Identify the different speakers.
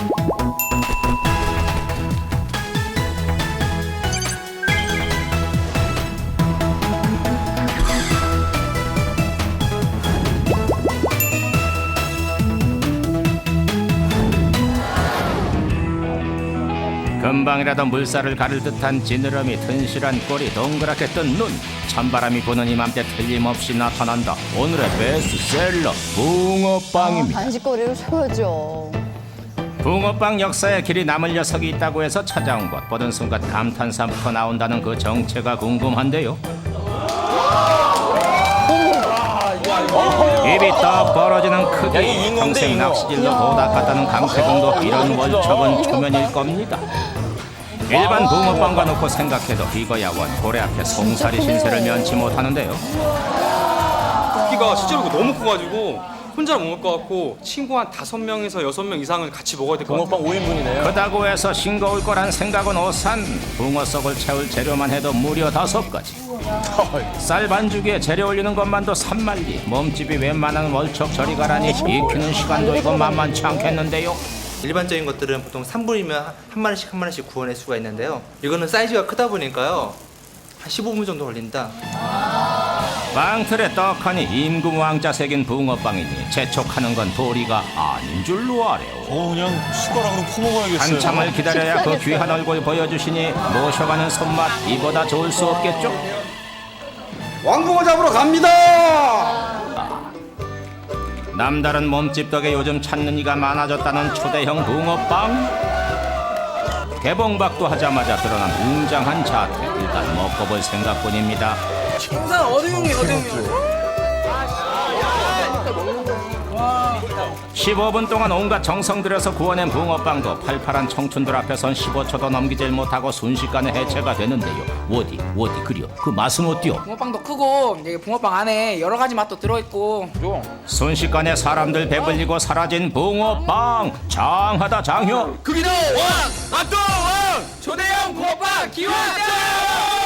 Speaker 1: 금방이라도 물살을 가를 듯한 지느러미, 튼실한 꼬리, 동그랗게 뜬 눈, 찬바람이 부는 이맘때 틀림없이 나타난다. 오늘의 베스트셀러 붕어빵입니다.
Speaker 2: 간식거리로 최고죠.
Speaker 1: 붕어빵 역사에 길이 남을 녀석이 있다고 해서 찾아온 것. 보는 순간 감탄사부터 나온다는 그 정체가 궁금한데요. 입이 떡 벌어지는 크기, 평생 낚시질로 도닥갔다는 강태공도 이런 월척은 초면일 겁니다. 일반 붕어빵과 놓고 생각해도 이거야 원 고래 앞에 송사리 신세를 면치 못하는데요.
Speaker 3: 크기가 실제로 너무 커가지고 혼자 못 먹을 것 같고 친구 한 5명에서 6명 이상을 같이 먹어야 될 것 같아요.
Speaker 4: 붕어빵 5인분이네요.
Speaker 1: 그다고 해서 싱거울 거란 생각은 오산. 붕어 속을 채울 재료만 해도 무려 5가지. 쌀 반죽에 재료 올리는 것만도 3만리. 몸집이 웬만한 월척 저리 가라니 익히는 시간도 이거 만만치 않겠는데요.
Speaker 5: 일반적인 것들은 보통 3분이면 한 마리씩 구워낼 수가 있는데요. 이거는 사이즈가 크다 보니까요. 한 15분 정도 걸린다.
Speaker 1: 빵틀에 떡하니 임금왕자 새긴 붕어빵이니 재촉하는 건 도리가 아닌 줄로 아래요.
Speaker 4: 그냥 숟가락으로 퍼먹어야겠어요.
Speaker 1: 한참을 기다려야 그 귀한 얼굴 보여주시니 모셔가는 손맛 이보다 좋을 수 없겠죠?
Speaker 3: 왕붕어 잡으러 갑니다.
Speaker 1: 남다른 몸집 덕에 요즘 찾는 이가 많아졌다는 초대형 붕어빵. 개봉박도 하자마자 드러난 웅장한 자태. 일단 먹어볼 생각뿐입니다.
Speaker 6: 우선 어등용이
Speaker 1: 15분 동안 온갖 정성 들여서 구워낸 붕어빵도 팔팔한 청춘들 앞에선 15초도 넘기질 못하고 순식간에 해체가 되는데요. 어디 그려 그 맛은 어때요?
Speaker 6: 붕어빵도 크고 이제 붕어빵 안에 여러 가지 맛도 들어있고
Speaker 1: 순식간에 사람들 배불리고 사라진 붕어빵. 장하다 장효.
Speaker 6: 크기도 왕! 맛도 왕! 초대형 붕어빵 기원장!